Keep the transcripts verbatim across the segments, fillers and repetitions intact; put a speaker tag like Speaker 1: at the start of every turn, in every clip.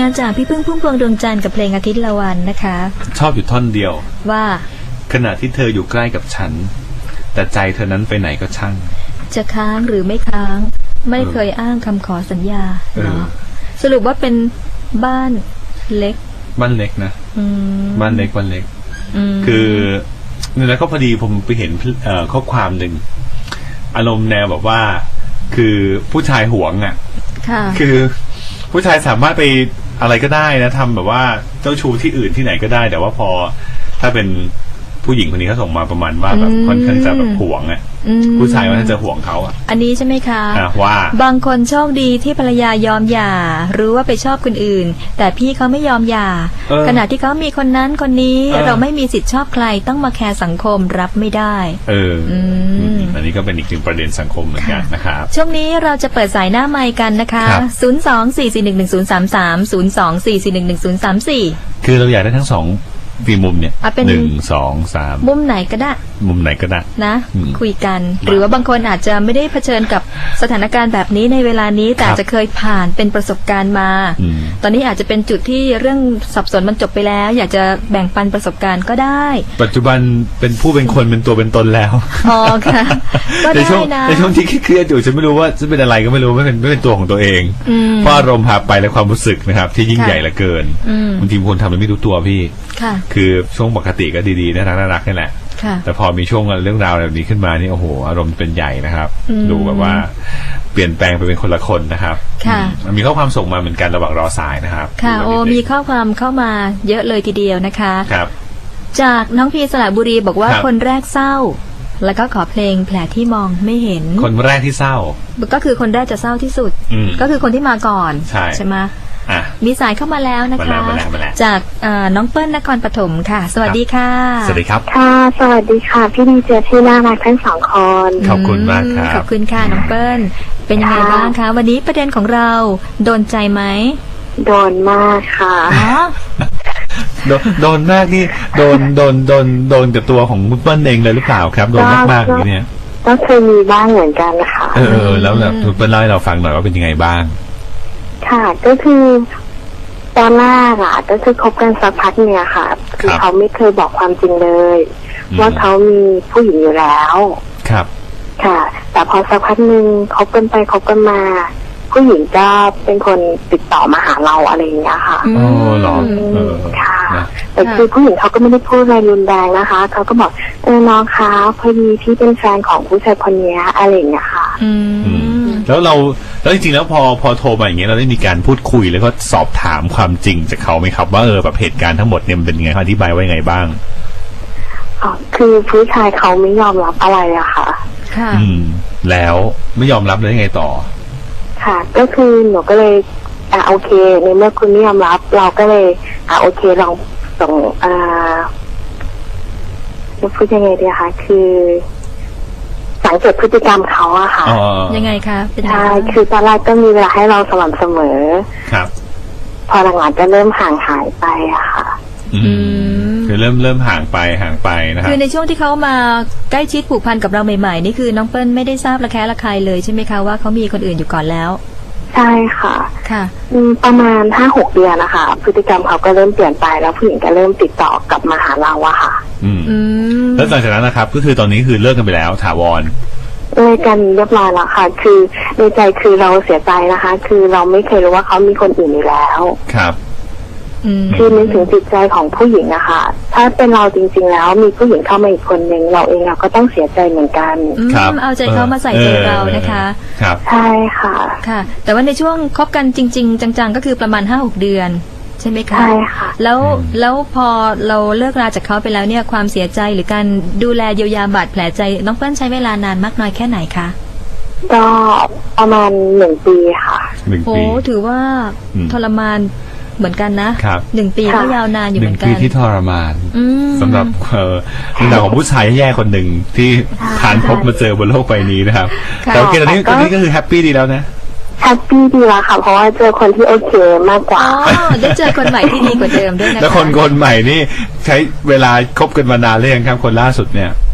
Speaker 1: านจากพี่พึ่งพุ่มพวงดวงจันทร์กับเพลงอาทิตย์ละวันนะคะ
Speaker 2: ชอบอยู่ท่อนเดียว
Speaker 1: ว่า
Speaker 2: ขณะที่เธออยู่ใกล้กับฉันแต่ใจเธอนั้นไปไหนก็ช่าง
Speaker 1: จะค้างหรือไม่ค้างไม่เคยอ้างคำขอสัญญาเนาะสรุปว่าเป็นบ้านเล็ก
Speaker 2: บ้านเล็กนะบ้านเล็กบ้านเล็กคือเนี่ยแล้วก็พอดีผมไปเห็นข้อความหนึ่งอารมณ์แนวแบบว่าคือผู้ชายหวงอ่ะคือผู้ชายสามารถไปอะไรก็ได้นะทำแบบว่าเจ้าชู้ที่อื่นที่ไหนก็ได้แต่ว่าพอถ้าเป็นผู้หญิงคนนี้เขาส่งมาประมาณว่าแบบค่อนข้างจะแบบหวงอ่ะผู้ชายว่าจะหวงเขาอ่ะ
Speaker 1: อันนี้ใช่ไหมคะ
Speaker 2: ว่า
Speaker 1: บางคนโชคดีที่ภรรยายอมหย่ารู้ว่าไปชอบคนอื่นแต่พี่เขาไม่ยอมหย่าขณะที่เขามีคนนั้นคนนี้เราไม่มีสิทธิ์ชอบใครต้องมาแคร์สังคมรับไม่ได้
Speaker 2: เอออันนี้ก็เป็นอีกหนึ่งประเด็นสังคมเหมือนกันนะครับ
Speaker 1: ช่วงนี้เราจะเปิดสายหน้าไมค์กันนะคะศูนย์ สอง สี่ สี่ หนึ่ง หนึ่ง ศูนย์ สาม สาม ศูนย์ สอง สี่ สี่ หนึ่ง หนึ่ง ศูนย์ สาม สี่
Speaker 2: คือเราอยากได้ทั้งสองฟีมุมเนี่ยหนึ่งสองสาม
Speaker 1: มุมไหนก็ได้
Speaker 2: มุมไหนก็ได้
Speaker 1: นะคุยกันหรือว่าบางคนอาจจะไม่ได้เผชิญกับสถานการณ์แบบนี้ในเวลานี้แต่จะเคยผ่านเป็นประสบการณ์มาตอนนี้อาจจะเป็นจุดที่เรื่องสับสนมันจบไปแล้วอยากจะแบ่งปันประสบการณ์ก็ได้
Speaker 2: ปัจจุบันเป็นผู้เป็นคนเป็นตัวเป็นตนแล้ว
Speaker 1: อ๋อค่ะก็ได้นะ
Speaker 2: ในช่วงที่เครียดอยู่ฉันไม่รู้ว่าจะเป็นอะไรก็ไม่รู้ไม่เป็นไม่เป็นตัวของตัวเองเพราะอารมณ์พาไปและความรู้สึกนะครับที่ยิ่งใหญ่เหลือเกินบางทีคนทำโดยไม่รู้ตัวพี่คือช่วงปกติก็ดีๆน่ารักน่ารักนี่แหละแต่พอมีช่วงเรื่องราวแบบนี้ขึ้นมานี่โอ้โหอารมณ์เป็นใหญ่นะครับดูแบบว่าเปลี่ยนแปลงไปเป็นคนละคนนะครับมีข้อความส่งมาเหมือนกันระหว่างรอสายนะครับ
Speaker 1: ค่ะโอ้มีข้อความเข้ามาเยอะเลยทีเดียวนะคะ
Speaker 2: ครับ
Speaker 1: จากน้องพีสระบุรีบอกว่าคนแรกเศร้าแล้วก็ขอเพลงแผลที่มองไม่เห็น
Speaker 2: คนแรกที่เศร้า
Speaker 1: ก็คือคนแรกจะเศร้าที่สุดก็คือคนที่มาก่อน
Speaker 2: ใช่
Speaker 1: ใช่ไหมมีสายเข้ามาแล้วนะคะจากน้องเปิ้ลนครปฐมค่ะสวัสดีค่ะ
Speaker 2: สวัสดีครับ
Speaker 3: ค่ะสวัสดีค่ะพี่ดีเจที่น่ารักทั้งสองคน
Speaker 2: ขอบคุณมากครับ
Speaker 1: ขอบคุณค่ะน้องเปิ้ลเป็นยังไงบ้างคะวันนี้ประเด็นของเราโดนใจไหม
Speaker 3: โดนมากค่ะ
Speaker 2: โดนโดนมากนี่โดนโดนโดนโดนกับตัวของคุณเปิ้ลเองเลยหรือเปล่าครับโดนมากมากอย่างนี้
Speaker 3: ก็เคยมีบ้างเหมือนกันนะคะ
Speaker 2: เออแล้วแบบคุณเปิ้ลเล่าให้เราฟังหน่อยว่าเป็นยังไงบ้าง
Speaker 3: ค่ะก็คือตอนแรกอ่ะก็คือคบกันสักพักเนี่ยค่ะคือเขาไม่เคยบอกความจริงเลยว่าเขามีผู้หญิงอยู่แล้ว
Speaker 2: ครับ
Speaker 3: ค่ะแต่พอสักพักหนึ่งคบกันไปคบกันมาผู้หญิงก็เป็นคนติดต่อมาหาเราอะไรอย่างเงี้ยค่ะ
Speaker 2: อ๋อเหรอ
Speaker 3: ค่ะแต่คือผู้หญิงเขาก็ไม่ได้พูดอะไรรุนแรงนะคะเขาก็บอกเออน้องคะพอดีพี่เป็นแฟนของผู้ชายคนนี้อะไรอย่างเงี้ยค่ะ
Speaker 2: แล้วเราแล้วจริงๆแล้วพอพอโทรมาอย่างเงี้ยเราได้มีการพูดคุยแล้วก็สอบถามความจริงจากเขาไหมครับว่าเออแบบเหตุการณ์ทั้งหมดเนี่ยมันเป็นยังไงอธิบายว่ายังไงบ้าง
Speaker 3: อ๋อคือผู้ชายเขาไม่ยอมรับอะไรอะค่ะ
Speaker 1: ค่ะ
Speaker 2: อืมแล้วไม่ยอมรับแล้วยังไงต่อ
Speaker 3: ค่ะก็คือหนูก็เลยอ่าโอเคในเมื่อคุณไม่ยอมรับเราก็เลยอ่าโอเคลองส่งอ่าจะพูดยังไงดีคะคือสังเกตพฤติกรรมเขาอะค่ะ
Speaker 1: ยังไงคะ
Speaker 3: ใช่คือตอนแรกก็มีเวลาให้เราสม่ำเสมอ
Speaker 2: ครับ
Speaker 3: พอหลังๆจะเริ่มห่างหายไปอะค่ะ
Speaker 2: อืมคือเริ่มเริ่มห่างไปห่างไปนะครับ
Speaker 1: คือในช่วงที่เขามาใกล้ชิดผูกพันกับเราใหม่ๆนี่คือน้องเปิ้ลไม่ได้ทราบระแคะระคายเลยใช่ไหมคะว่าเขามีคนอื่นอยู่ก่อนแล้ว
Speaker 3: ใช่ค่ะ
Speaker 1: ค่ะ
Speaker 3: ประมาณห้าหกเดือนนะคะพฤติกรรมเขาก็เริ่มเปลี่ยนไปแล้วผู้หญิงก็เริ่มติดต่อกลับมาหาเราอะค่ะ
Speaker 2: อืมแล้วหลังจากนั้นนะครับก็คือตอนนี้คือเลิกกันไปแล้วถาวร
Speaker 3: เลิกกันเรียบร้อยแล้วค่ะคือในใจคือเราเสียใจนะคะคือเราไม่เคยรู้ว่าเขามีคนอื่นอยู่แล้ว
Speaker 2: ครับ
Speaker 3: คือนึกถึงจิตใจของผู้หญิงอะค่ะถ้าเป็นเราจริงๆแล้วมีผู้หญิงเข้ามาอีกคนหนึ่งเราเองเราก็ต้องเสียใจเหมือนกัน
Speaker 1: ครับเอาใจเขามาใส่ใจเรานะคะ
Speaker 2: ครับ
Speaker 3: ใช่ค่ะ
Speaker 1: ค่ะแต่ว่าในช่วงคบกันจริงๆจังๆก็คือประมาณห้าหกเดือนใช่ไหมคะ
Speaker 3: ใช่ค่ะ
Speaker 1: แล้วแล้วพอเราเลิกราจากเขาไปแล้วเนี่ยความเสียใจหรือการดูแลเยียวยาบาดแผลใจน้องเปิ้ลใช้เวลานานมากน้อยแค่ไหนคะ
Speaker 3: ก็ประมาณหนึ่งปีค่ะ
Speaker 1: โอ้ถือว่าทรมานเหมือนกันนะหนึ่งปีก็ยาวนานอยู่เหมือนกัน
Speaker 2: หนึ่งปีที่ทรมานสำหรับเอ่อเรื่องราวของผู้ชายแย่คนหนึ่งที่ผ่านพบมาเจอบนโลกใบนี้นะครับแต่โอเคตอนนี้ตอนนี้ก็คือแฮปปี้ดีแล้วนะ
Speaker 3: แฮปปี้ดีแล้วค่ะเพราะว่าเจอคนที่โอเคมากกว่า
Speaker 1: อ๋อได้เจอคนใหม่ที่ดีกว่าเดิมด้วยนะคะ
Speaker 2: แล้วคนคนใหม่นี่ใช้เวลาคบกันมานานหรือยังครับคนล่าสุดเนี่ย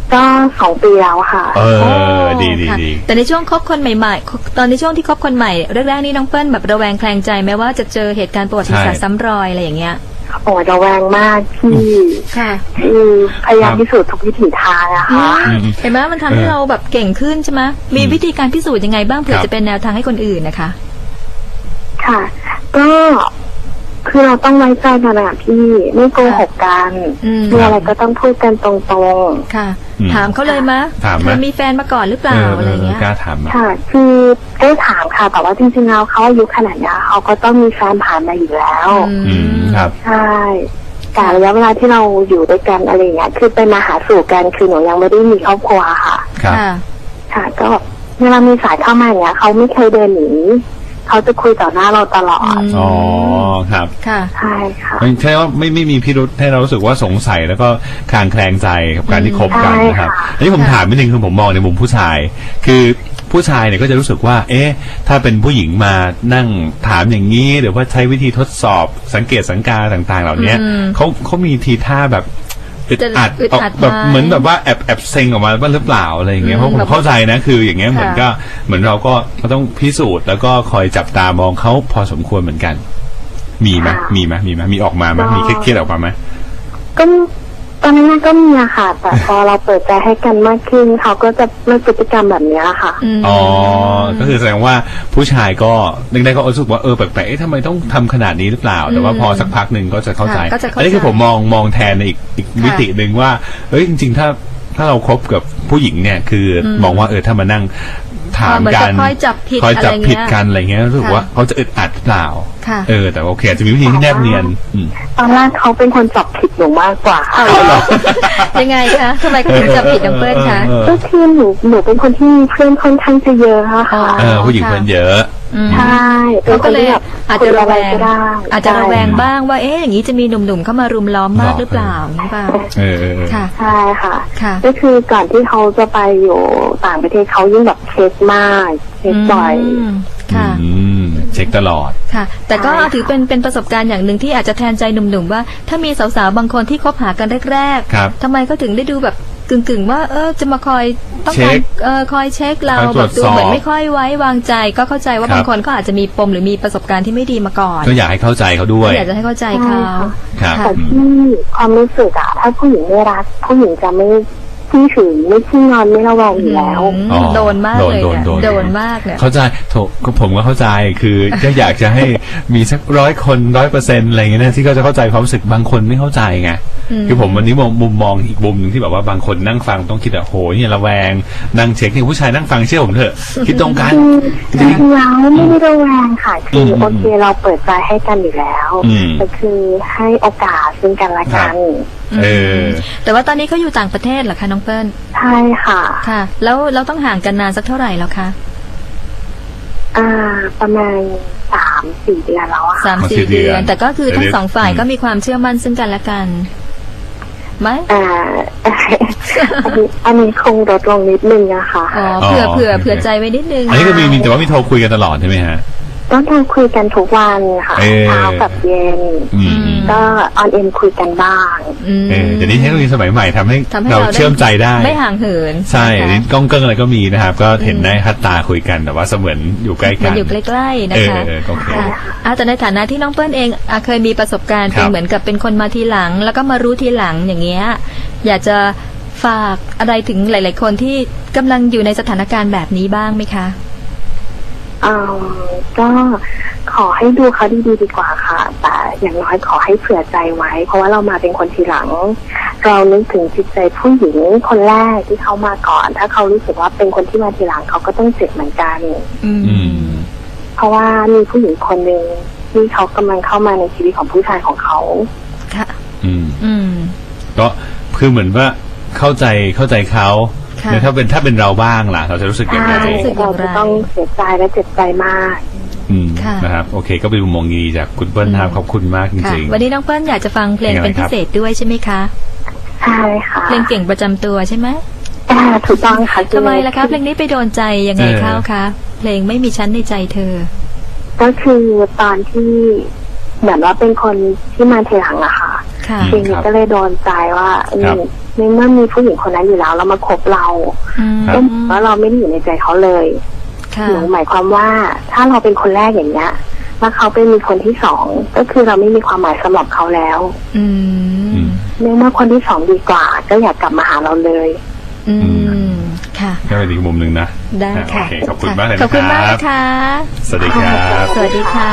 Speaker 3: ก็สองปีแล้วค่ะ
Speaker 2: เออดีดี
Speaker 1: ค่ะ
Speaker 2: ดี
Speaker 1: แต่ในช่วงคบคนใหม่ๆ ตอนในช่วงที่คบคนใหม่แรกๆนี่น้องเปิ้ลแบบระแวงแคลงใจไหมว่าจะเจอเหตุการณ์ประวัติศาสตร์ซ้ำรอยอะไรอย่างเงี้ย
Speaker 3: โอ้ระแวงมากที่
Speaker 1: ค่ะ
Speaker 3: คือพยายามพิสูจน์ทุกวิถีทางอะค่ะ
Speaker 1: เห็นไหมมันทำให้เราแบบเก่งขึ้นใช่ไหมมีวิธีการพิสูจน์ยังไงบ้างเผื่อจะเป็นแนวทางให้คนอื่นนะคะ
Speaker 3: ค่ะ ก็คือเราต้องไว้ใจกันอะพี่ไม่โกหกกัน
Speaker 1: อืม
Speaker 3: มีอะไรก็ต้องพูดกันตรง
Speaker 1: ค่ะ
Speaker 2: อืม
Speaker 1: ถามเขาเลยมะ
Speaker 2: ถามไหม
Speaker 1: เธอมีแฟนมาก่อนหรือเปล่าอะไรเงี้ย
Speaker 2: กล้าถามไหม
Speaker 3: ๆค่ะ คือได้ถามค่ะแต่ว่าจริงๆแล้วเขาอายุขนาดนี้เขาก็ต้องมีแฟนผ่านมาอยู่แล้ว
Speaker 2: อืมครับ
Speaker 3: ใช่แต่ระยะเวลาที่เราอยู่ด้วยกันอะไรอย่างเงี้ยคือเป็นมาหาสู่กันคือหนูยังไม่ได้มีครอบครัวค่ะ
Speaker 2: ครับ
Speaker 1: ค่ะ
Speaker 3: ค่ะ ก็เวลามีสายเข้ามาอย่างเงี้ยเขาไม่เคยเดินหนีเขาจะคุยต่อหน้าเราตลอด
Speaker 1: อืม
Speaker 2: อ๋อครับ
Speaker 1: ค่ะ
Speaker 3: ใช่ค่ะ
Speaker 2: ไม่ใช่ว่าไม่ไม่มีพิรุษให้เรารู้สึกว่าสงสัยแล้วก็คลางแคลงใจกับการที่คบกันนะครับ
Speaker 3: ใช่ค่ะ
Speaker 2: อันนี้ผมถามนิดนึงคือผมมองในมุมผู้ชาย คือผู้ชายเนี่ยก็จะรู้สึกว่า เอ๊ะ ถ้าเป็นผู้หญิงมานั่งถามอย่างนี้หรือว่าใช้วิธีทดสอบสังเกตสังกาต่าง ๆ เหล่านี้
Speaker 1: อืม
Speaker 2: เขาเขามีทีท่าแบบอึดอัด
Speaker 1: อึดอัด
Speaker 2: แบบ
Speaker 1: ไหม
Speaker 2: เหมือนแบบว่าแอบแอบเซ็งออกมาบ้างหรือเปล่าอะไรอย่างเงี้ย
Speaker 1: อืม
Speaker 2: เพราะผม
Speaker 1: แบบ
Speaker 2: เข้าใจนะคืออย่างเงี้ยเหมือน
Speaker 1: ค่ะ
Speaker 2: ก็เหมือนเราก็ก็ต้องพิสูจน์แล้วก็คอยจับตามองเขาพอสมควรเหมือนกัน มีไหม
Speaker 3: ค่ะ
Speaker 2: มีไหมมีไหมมีออกมาไหม
Speaker 3: ก็
Speaker 2: มีเครียดๆออกมาไหม
Speaker 3: ก็ตอนนั้นก็มีอะค่ะ แต่พอเราเปิดใจให้กันมากขึ้นเขาก็จะเลิกพฤติกรรมแบบเนี้ยค่ะ
Speaker 1: ม
Speaker 2: อ๋อ ก็คือแสดงว่าผู้ชายก็นึกได้ก็รู้สึกว่าเออแปลกๆเอ๊ะทำไมต้องทำขนาดนี้หรือเปล่า แต่ว่าพอสักพักหนึ่งก็จะเข้าใจ
Speaker 1: ค่ะก็จะเข้าใจ
Speaker 2: อันนี้คือผมมองมองแทนในอีกอีก
Speaker 1: ค่ะ
Speaker 2: มิติหนึ่งว่าเอ้ยจริง ๆ ถ้าถ้าเราคบกับผู้หญิงเนี่ย คืออ
Speaker 1: ม
Speaker 2: มองว่าเออถ้ามานั่งถาม
Speaker 1: เหมือน
Speaker 2: กั
Speaker 1: กับ
Speaker 2: น
Speaker 1: คอยจับผิด
Speaker 2: คอยจับ
Speaker 1: อะไรเงี้ย
Speaker 2: ผิดกันอะไรเงี้ยรู้สึก
Speaker 1: ค่ะ
Speaker 2: ว่าเขาจะอึดอัดหรือเปล่า
Speaker 1: ค่ะ
Speaker 2: เออแต่โอเคอาจจะมีวิธีที่แนบเนียนอืม
Speaker 3: ตอนแรกเขาเป็นคนจับผิดหนูมากกว่า
Speaker 1: เอาเหรอ ยังไงคะทำไมคุณถึงจับผิดน้องเปิ้ลคะ
Speaker 2: เออ
Speaker 3: ก็คือหนูหนูเป็นคนที่มีเพื่อนค่อนข้างจะเยอะอะค่ะ
Speaker 2: เออผู้หญิงเพื่อนเยอะ
Speaker 1: อืม
Speaker 3: ใช่
Speaker 1: เขาก็เลย
Speaker 3: ป็นคนที่แบบ
Speaker 1: อาจจะระแวง
Speaker 3: คุยอไก็ได้
Speaker 1: อาจจะระแวง
Speaker 3: ใช่
Speaker 1: บ้างว่าเอ๊ะอย่างนี้จะมีหนุ่มๆเข้ามารุมล้อมมากหรือเปล่าอย่างนี้เปล่า
Speaker 2: เออเออเออ
Speaker 1: ค่ะ
Speaker 3: ใช่ค่ะ
Speaker 1: ค่ะ
Speaker 3: ก็คือก่อนที่เขาจะไปอยู่ต่างประเทศเขายิ่งแบบเช็คมากเช็คบ่อย
Speaker 1: มค่ะ
Speaker 2: อืมเช็คตลอด
Speaker 1: ค่ะ แต่ก็
Speaker 3: ใช่ค่ะ
Speaker 1: ถือเป็นเป็นประสบการณ์อย่างหนึ่งที่อาจจะแทนใจหนุ่มๆว่า ถ้ามีสาวๆบางคนที่คบหากันแรก
Speaker 2: ครับ
Speaker 1: ๆทำไมเขาถึงได้ดูแบบกึ่งๆว่า เออจะมาคอยต้อง
Speaker 2: เช็
Speaker 1: การ
Speaker 2: ค
Speaker 1: เออคอยเช็คเรา
Speaker 2: คอยตร
Speaker 1: แบ
Speaker 2: ว
Speaker 1: บ
Speaker 2: จ
Speaker 1: ดู
Speaker 2: สอบ
Speaker 1: เหมือนไม่ค่อยไว้วางใจ ก็เข้าใจว่า
Speaker 2: ครับ
Speaker 1: บางคนเขาอาจจะมีปมหรือมีประสบการณ์ที่ไม่ดีมาก่อน
Speaker 2: ก็อยากให้เข้าใจเขาด้วย
Speaker 1: ก็อยากจะให้เข้าใจเขา
Speaker 2: ครับ
Speaker 3: แต่ที่ความรู้สึกอะถ้าผู้หญิงไม่รัก ผู้หญิงจะไม่ขี้ถึงไม่ขี้งอนไม่ระแวงอยู่แล้ว
Speaker 1: อืม
Speaker 2: อ๋อ
Speaker 1: โดนมากเลย
Speaker 2: โดน
Speaker 1: เนี่ย
Speaker 2: โดนโดน
Speaker 1: โดนมากเนี่ย
Speaker 2: เข้าใจโถก็ผมก็เข้าใจคือก็อยากจะให้มีสักร้อยคนร้อยเปอร์เซ็นต์อะไรอย่างเงี้ยนะที่เขาจะเข้าใจความรู้สึกบางคนไม่เข้าใจไง
Speaker 1: อืม
Speaker 2: คือผมวันนี้มองมุมมองอีกมุมหนึ่งที่แบบว่าบางคนนั่งฟังต้องคิดอะโหเนี่ยระแวงนั่งเช็คนี่ผู้ชายนั่งฟังเชื่อผมเถอะคิดตรงกัน
Speaker 3: คือจริงๆแล้วไม่ได้ระแวงค่ะคือ
Speaker 2: ม
Speaker 3: โอเคเราเปิดใจให้กันอยู่แล้ว
Speaker 2: อืม
Speaker 3: แต่คือให้โอกาสซึ่งกันและกัน
Speaker 2: เออ
Speaker 1: แต่ว่าตอนนี้เขาอยู่ต่างประเทศเหรอคะน้องเปิ้ล
Speaker 3: ใช่ค่ะ
Speaker 1: ค่ะ แล้วเราต้องห่างกันนานสักเท่าไหร่แล้วคะ
Speaker 3: อ่า ประมาณสามสี่เดือนแล้วอะค่ะ
Speaker 1: สาม
Speaker 2: มาสี่
Speaker 1: สี่
Speaker 2: เดื
Speaker 1: เดื
Speaker 2: อน
Speaker 1: อน แต่ก็คือทั้ง
Speaker 2: เดี๋ยว
Speaker 1: สองฝ่าย
Speaker 2: อืม
Speaker 1: ก็มีความเชื่อมั่นซึ่งกันและกันไหม
Speaker 3: อ่า อันนี้อันนี้คงลดลงนิดนึงอะค่ะ
Speaker 1: อ๋อเผื่อ
Speaker 2: อ๋อ
Speaker 1: เผื่อ
Speaker 2: โอเค
Speaker 1: เผื่อใจไว้นิดนึง
Speaker 2: อันนี้ก็มีมีแต่ว่ามีโทรคุยกันตลอดใช่ไหมฮะ
Speaker 3: ต้องการคุยกันทุกวันค่ะ
Speaker 2: เออ
Speaker 3: เช้ากับเย็น
Speaker 2: อืม
Speaker 3: ก็ออนเอ็นคุยกันบ้าง
Speaker 1: อืม
Speaker 2: เออเดี๋ยวนี้เทคโนโลยีสมัยใหม่ทำให้
Speaker 1: ทำให้
Speaker 2: เรา
Speaker 1: เราได้
Speaker 2: เชื่อมใจได้
Speaker 1: ไม่ห่างเหิน
Speaker 2: ใช่
Speaker 1: นะคะ
Speaker 2: นี่กล้องเกิ้งอะไรก็มีนะครับ ก็เห็นได้คัดตาคุยกันแต่ว่าเสมือนอยู่ใกล้
Speaker 1: มั
Speaker 2: กัน น
Speaker 1: อยู่ใกล้ๆนะ
Speaker 2: เออ
Speaker 1: คะ
Speaker 2: เออโอเค
Speaker 1: ค่ะอ่ะแต่ในฐานะที่น้องเปิ้ลเองอ่ะเคยมีประสบการณ์
Speaker 2: ครับ
Speaker 1: เป็นเหมือนกับเป็นคนมาทีหลัง แล้วก็มารู้ทีหลังอย่างเงี้ยอยากจะฝากอะไรถึงหลาย ๆ คนที่กำลังอยู่ในสถานการณ์แบบนี้บ้างไหมคะ
Speaker 3: อ่าก็ขอให้ดูเขาดีๆดีกว่าค่ะ แต่อย่างน้อยขอให้เผื่อใจไว้ เพราะว่าเรามาเป็นคนทีหลัง เรานึกถึงจิตใจผู้หญิงคนแรกที่เขามาก่อน ถ้าเขารู้สึกว่าเป็นคนที่มาทีหลังเขาก็ต้องเจ็บเหมือนกัน
Speaker 1: อืม
Speaker 2: อืม
Speaker 3: เพราะว่ามีผู้หญิงคนหนึ่งที่เขากำลังเข้ามาในชีวิตของผู้ชายของเขา
Speaker 1: ค่ะ
Speaker 2: อืม
Speaker 1: อืม
Speaker 2: ก็คือเหมือนว่าเข้าใจเข้าใจเขา
Speaker 1: ค่ะ
Speaker 2: แต่ถ้าเป็นถ้าเป็นเราบ้างล่ะ เราจะรู้สึกยังไง
Speaker 3: ใช่
Speaker 1: รู้สึกอย่างไร
Speaker 3: เราจะต้องเสียใจและเจ็บใจมาก
Speaker 2: อืม
Speaker 1: ค่ะ
Speaker 2: นะครับโอเค ก็เป็นมุมมองดีจากคุณเปิ้ลนะครับขอบคุณมากจ
Speaker 1: ค่ะ
Speaker 2: ริง
Speaker 1: วันนี้น้องเปิ้ลอยากจะฟังเพลง
Speaker 2: เพลงอะไร
Speaker 1: เป็นพิเศษด้วยใช่ไหมคะ
Speaker 3: ใช่ค่ะ
Speaker 1: เพลงเก่งประจำตัวใช่ไหม
Speaker 3: อ่าถูกต้องค่ะ
Speaker 1: ทำไมล่ะคะเพลงนี้ไปโดนใจยังไง
Speaker 2: เออ
Speaker 1: เข้าคะเพลงไม่มีชั้นในใจเธอ
Speaker 3: ก็คือตอนที่เหมือนว่าเป็นคนที่มาทีหลังอะค่ะ
Speaker 1: ค่ะ
Speaker 2: อืม
Speaker 3: เพลงนี้ก็เลยโดนใจว่า
Speaker 2: ครับ
Speaker 3: นี่ในเมื่อมีผู้หญิงคนนั้นอยู่แล้วแล้วมาคบเรา
Speaker 1: อืม
Speaker 3: ก็แล้วเราไม่ได้อยู่ในใจเขาเลย
Speaker 1: ค่ะ
Speaker 3: หนูหมายความว่าถ้าเราเป็นคนแรกอย่างเงี้ยแล้วเขาเป็นมีคนที่สองก็คือเราไม่มีความหมายสำหรับเขาแล้ว
Speaker 1: อืม
Speaker 3: ในเมื่อคนที่สองดีกว่า ก็อยากกลับมาหาเราเลย
Speaker 1: อืมค่ะ
Speaker 2: ก็เป็นอีกมุมหนึ่งนะ
Speaker 1: ได้ค่ะ
Speaker 2: โอเคขอบคุณมากเลยนะ
Speaker 1: ขอบคุณมาก
Speaker 2: ครั
Speaker 1: นะ
Speaker 2: บ
Speaker 1: คะ
Speaker 2: สวัสดีครับ
Speaker 1: สวัสดีค่ะ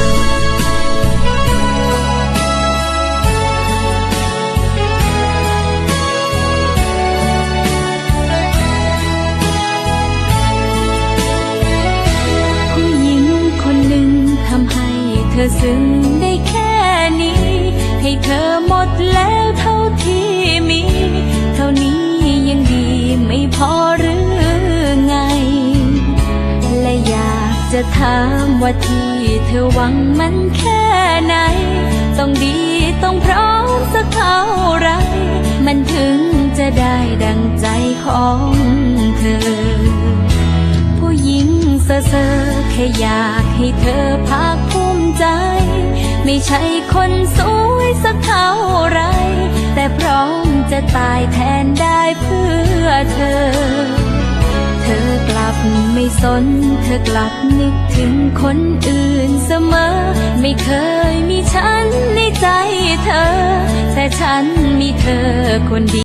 Speaker 4: ผู้หญิงคนหนึ่งทำให้เธอซึ้งได้แค่นี้ ให้เธอหมดแล้วเท่าที่มี เท่านี้ยังดีไม่พอหรือไง และอยากจะถามว่าที่เธอหวังมันแค่ไหน ต้องดีต้องพร้อมสักเท่าไร มันถึงจะได้ดังใจของเธอ ผู้หญิงเซ่อๆแค่อยากให้เธอภาคภูมิใจ ไม่ใช่คนสวยสักเท่าไร แต่พร้อมจะตายแทนได้เพื่อเธอ เธอกลับไม่สน เธอกลับนึกถึงคนอื่นเสมอ ไม่เคยมีฉันในใจเธอ แต่ฉันมีเธอคนเดียว